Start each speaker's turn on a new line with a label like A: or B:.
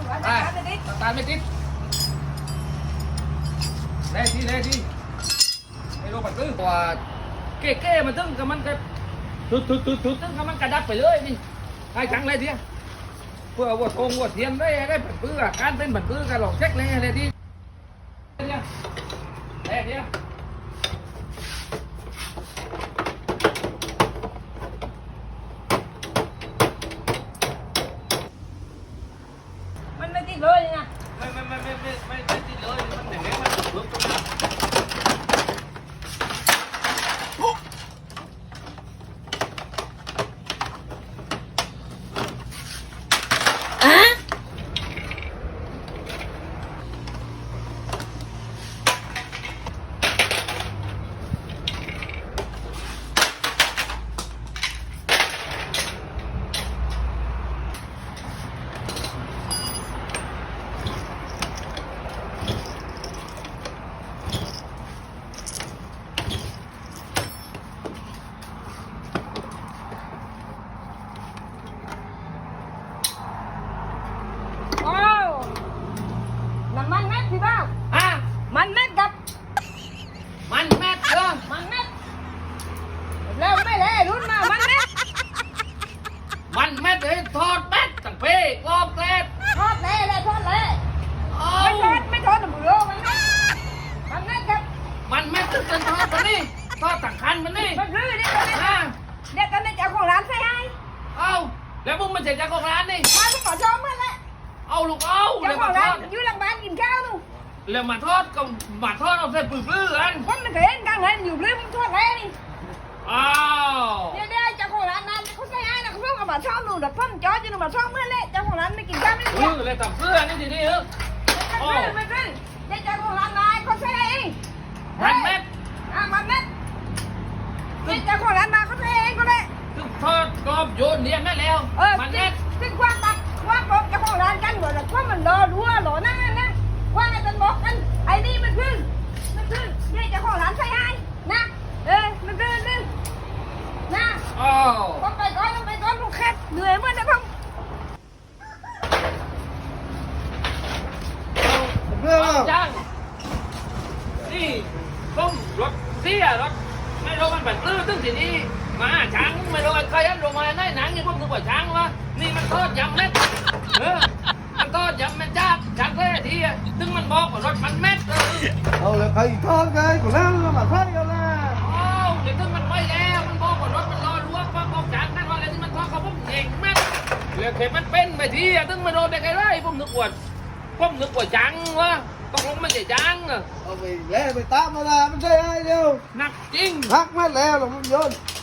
A: ตาไม่ติดได้ทีไอ้โรบัตตื้อว่าเก้มันตึ้งกับมันก็ทุดตึ้งกับมันกระดับไปเลยนี่ให้จังเลยทีเพื่อว่าทงว่าเทียนได้ผันปื้อการเป็นผันปื้อกันหลอกเช็คเลยอะไรทีเนี่ย
B: มันไม่ติดเลยนะ
A: ไม่ติดเลยมันอย่างนี้มันลุกตรงนั้น
B: มันแม็กพี่บ้ามันแม็กกับ
A: มันแม็ก
B: มันแม็กแล้วไม่เลยรุ่นมามันแม็ก
A: เลยทอดแม็กตั้งเป้กรอบแกลบ
B: ทอดเลยไม่ทอดหนูโลมันแม็กกับ
A: มันแม็กตึ้งทอดมันนี่ทอดต่างคันมันนี่
B: มันรื้อนี่เด็กกันในเจ้าของร้านใช่ไหม
A: แล้วมึงมันเสร็จจากของร้านนี่
B: มาต้องขอชมเมื่อไร
A: ลูกเจ้า
B: ของร้านอยู่หลังบ้านกินข้าวนู่
A: แล้วมาทอดกับมาทอดเอาเส้นปื้อกัน
B: คนมันเคยเห็นกลางเห็นอยู่ลืมทอดแล้วนี่เดี๋ยวเจ้าของร้านนั้นเขาใส่ให้นะเขาเพิ่งเอามาชอบหนูแต่พ่อมจอดอยู่หนูมาชอบเมื่อไรเจ้าของร้านไม่กินข้าวไม่ได้
A: เลยตับเสื้อนี่ทีนี้
B: ไม่ขึ้นเจ้าของร้านนายเขาใส่เอง
A: มันแม็ก
B: มันแม็กเจ้าของร้านมาเขาใส่เองก็เลย
A: คือทอดกรอบโยนเนี่ยแม่แล้วมันแม็ก
B: ซึ่งกว้างตักกว้างบอกเจ้าของร้านกันเหมือนเพราะมันรอรัวหล่อนั่งนะว่าไอ้ตันบอกกันไอ้นี่มันขึ้นนี่เจ้าของร้านใส่ให้นะมันขึ้นนะต้องไปก่อนลูกแคทเหนื่อยเมื่อนะพ่อ
A: จ้างนี่ต้มรถเสียรถไม่รู้มันแบบตื้อตึ้งทีนี้มาช้างไม่รู้ใครอันลงมาในหนังนี่พวกนึกว่าช้างวะนี่มันทอดยำเม็ดมันทอดยำเม็ดจ้าช้างแท้ทีตึ้งมันบอกว่ารถมันเม็ด
C: เอาเลยใครทอดไงกูนั่งมาใครกันล่ะ
A: เดี๋ยวตึ้งมันไม่แล้วมันบอกว่ารถมันรอรู้ว่าบอกช้างนั่นว่าอะไรที่มันทอดเขาพุ่มเองเม็ดเหลือเข็มมันเป็นไปทีตึ้งมันโดนได้ไงไรผมนึกว่าจังวะต้องลงมันจะจัง
C: เอาไปแล้วไปตามมาละมันใช่ไอ้เดียว
A: หนักจริง
C: พักมาแล้วหลงโยน